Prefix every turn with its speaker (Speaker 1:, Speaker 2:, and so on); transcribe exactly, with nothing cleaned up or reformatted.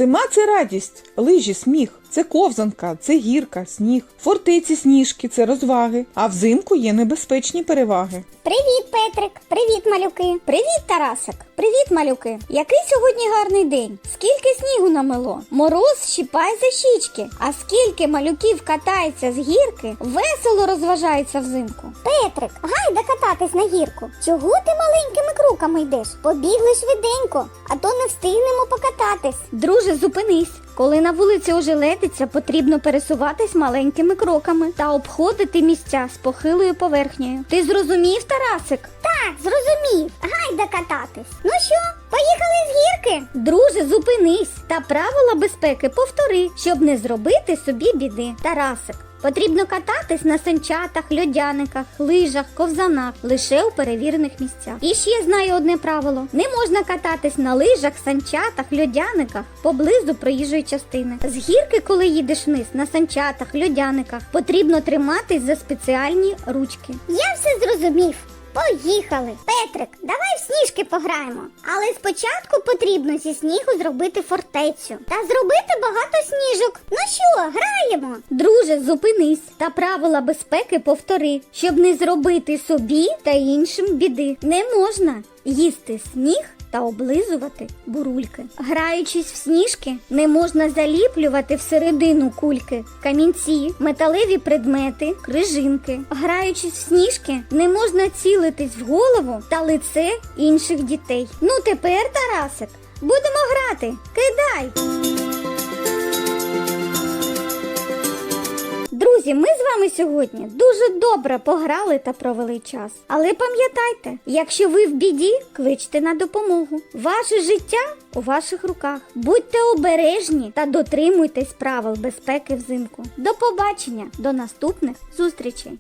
Speaker 1: Зима – це радість, лижі – сміх, це ковзанка, це гірка, сніг, фортеці сніжки – це розваги, а взимку є небезпечні переваги.
Speaker 2: Привіт, Петрик! Привіт, малюки! Привіт, Тарасик! Привіт, малюки! Який сьогодні гарний день! Скільки снігу намело! Мороз щіпає за щічки! А скільки малюків катається з гірки, весело розважається взимку! Петрик, гайда кататись на гірку! Чого ти маленькими кроками йдеш? Побігли швиденько, а то не встигнемо покататись! Друже, зупинись! Коли на вулиці ожеледиться, потрібно пересуватись маленькими кроками та обходити місця з похилою поверхнею. Ти зрозумів, Тарасик? Так, зрозумів. Гайда кататись. Ну що, поїхали з гірки? Друже, зупинись та правила безпеки повтори, щоб не зробити собі біди. Тарасик, потрібно кататись на санчатах, льодяниках, лижах, ковзанах, лише у перевірених місцях. І ще знаю одне правило. Не можна кататись на лижах, санчатах, льодяниках поблизу проїжджої частини. З гірки, коли їдеш вниз, на санчатах, льодяниках, потрібно триматись за спеціальні ручки. Я все зрозумів. Поїхали! Петрик, давай в сніжки пограємо. Але спочатку потрібно зі снігу зробити фортецю. Та зробити багато сніжок. Ну що, граємо? Друже, зупинись та правила безпеки повтори, щоб не зробити собі та іншим біди. Не можна їсти сніг та облизувати бурульки. Граючись в сніжки, не можна заліплювати всередину кульки, камінці, металеві предмети, крижинки. Граючись в сніжки, не можна цілитись в голову та лице інших дітей. Ну тепер, Тарасик, будемо грати. Кидай! Друзі, ми з вами сьогодні дуже добре пограли та провели час. Але пам'ятайте, якщо ви в біді, кличте на допомогу. Ваше життя у ваших руках. Будьте обережні та дотримуйтесь правил безпеки взимку. До побачення, до наступних зустрічей!